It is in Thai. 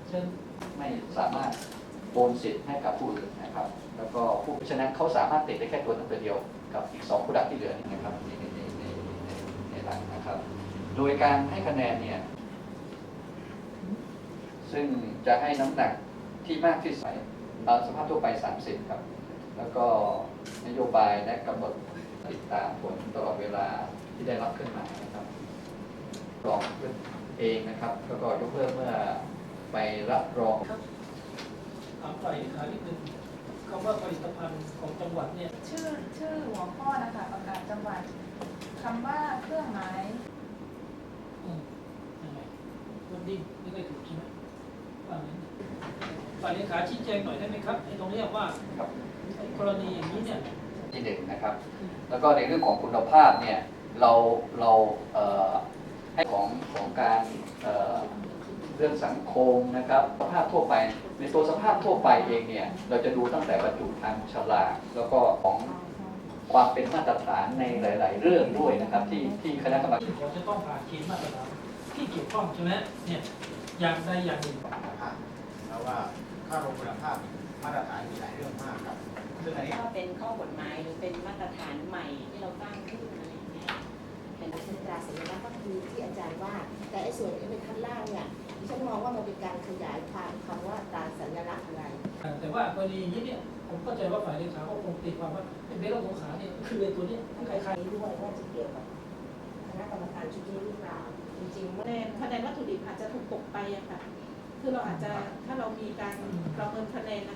เชิญไม่สามารถโอนสิทธิ์ให้กับผู้อื่นนะครับแล้วก็ผู้ฉะนั้นเขาสามารถติดได้แค่ตัวนั้นตัวเดียวกับอีก2ผู้ดักที่เหลือนะครับในหลังนะครับ โดยการให้คะแนนเนี่ยซึ่งจะให้น้ำหนักที่มากที่สุดตามสภาพทั่วไป30ครับแล้วก็นโยบายและกำหนดติดตามผลตลอดเวลาที่ได้รับขึ้นมานะครับรองเองนะครับแล้วก็ยกเลิกเมื่อไปรับรองถามฝ่ายเลขานิดนึงคำว่าผลิตภัณฑ์ของจังหวัดเนี่ยชื่อหัวข้อนะคะประกาศจังหวัดคำว่าเครื่องหมายยังไงวันนี้ไม่ได้ถูกใช่ไหมว่างั้นฝ่ายเลขาชี้แจงหน่อยได้ไหมครับไอ้ตรงนี้ว่ากรณีอย่างนี้เนี่ยที่1นะครับแล้วก็ในเรื่องของคุณภาพเนี่ยเราให้ของการเรื่องสังคมนะครับสภาพทั่วไปในตัวสภาพทั่วไปเองเนี่ยเราจะดูตั้งแต่บรรจุภัณฑ์ฉลากแล้วก็ของความเป็นมาตรฐานในหลายๆเรื่องด้วยนะครับที่คณะกรรมการขอจะต้องผ่านเกณฑ์มาตรฐานที่เกี่ยวข้องใช่ไหมเนี่ยอย่างใดอย่างหนึ่งแล้วว่าค่าคงคุณภาพมาตรฐานมีหลายเรื่องมากครับซึ่งอันนี้ก็เป็นข้อกฎหมายหรือเป็นมาตรฐานใหม่ที่เราตั้งขึ้นอะไรอย่างเงี้ยเป็นตราสัญลักษณ์ก็คือที่อาจารย์ว่าแต่ไอ้ส่วนที่เป็นขั้นล่างเนี่ยดิฉันมองว่ามันเป็นการขยายความคำว่าตราสัญลักษณ์อะไรแต่ว่ากรณีอย่างนี้เนี่ยผมเข้าใจว่าฝ่ายเลขาก็คงตีความว่าเป็นเบลล์สงขาเนี่ยคือไอ้ตัวนี้คล้ายๆด้วยว่าจะเกี่ยวกับคณะกรรมการชุดนี้หรือเปล่าจริงๆคะแนนวัตถุดิบอาจจะถูกตกไปอะค่ะคือเราอาจจะถ้าเรามีการประเมินคะแนน